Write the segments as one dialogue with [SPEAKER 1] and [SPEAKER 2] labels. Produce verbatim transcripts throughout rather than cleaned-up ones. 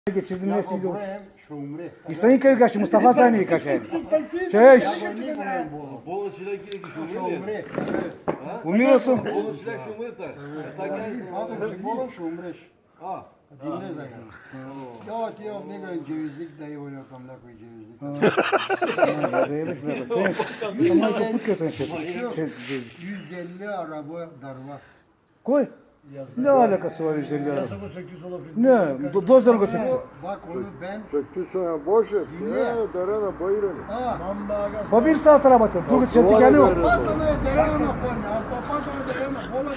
[SPEAKER 1] Geçirdim
[SPEAKER 2] Ja,
[SPEAKER 1] nesi biliyor.
[SPEAKER 2] Obrem, Şumri.
[SPEAKER 1] İsa'yı köy kaşı, Mustafa Sani'yi kaşı. Çeş.
[SPEAKER 3] Bol silah ki şumuri.
[SPEAKER 2] Şumri.
[SPEAKER 1] Umuyorsun.
[SPEAKER 3] Bol silah şumuri tak. Tak gelsin.
[SPEAKER 2] Hadi bolon Şumri.
[SPEAKER 3] Ha.
[SPEAKER 2] Dinle zaten. Ya ki yok ne kadar cevizlik dayı oynuyor kamla koy cevizlik.
[SPEAKER 1] Ama çok kötü şey.
[SPEAKER 2] yüz elli araba darva.
[SPEAKER 1] Koy. Ne alakası var yüz elli araba? Ne? Do- Dozdan koşacaksın.
[SPEAKER 2] Bak onu ben
[SPEAKER 4] Çekti sonra boş et.
[SPEAKER 2] Dinle.
[SPEAKER 4] Ne derene bayırın.
[SPEAKER 2] ha
[SPEAKER 1] O bir saat araba tut. Dur çetik yani yok.
[SPEAKER 2] patana derana pone alta patana derana bola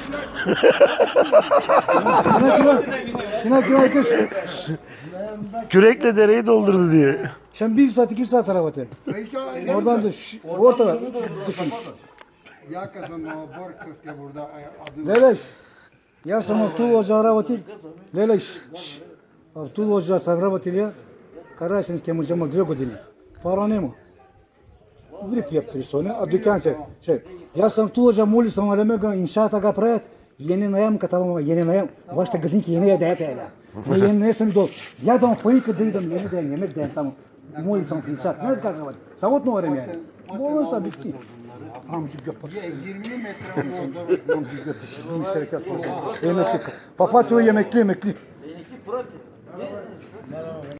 [SPEAKER 1] Kina kina kina kış.
[SPEAKER 5] Kürekle dereyi doldurdu diye.
[SPEAKER 1] Sen bir saat iki saat araba tut.
[SPEAKER 2] Oradan
[SPEAKER 1] Oradan da şş, ortada. Düşün.
[SPEAKER 2] ya kızım o bor köfte burada adım.
[SPEAKER 1] Leleş. Ya sana tu ocağı araba tut. Leleş. Abi tu ocağı araba tut ya. Karayasınız kemal cemal dve godine. Para nema. Grip yaptırıyor sonra. A dükkan şey. Şey. Ja sam tu ocağı moli sam aleme ga inşaata ga prajet. Yeni nayam katamama yeni nayam. Başta gazinki yeni ya dayat ayla. Ne yeni nayasın dol. Ya da payı kadıydım yeni dayan yemek dayan tamam. Moli sam inşaat. Sen de kalka var. Savut ne var yani? Bolonsa bitti. Amcık yapar.
[SPEAKER 2] yirmi metre oldu.
[SPEAKER 1] Amcık yapar. Bu müşterek yapar. Emekli. Papatyo yemekli emekli.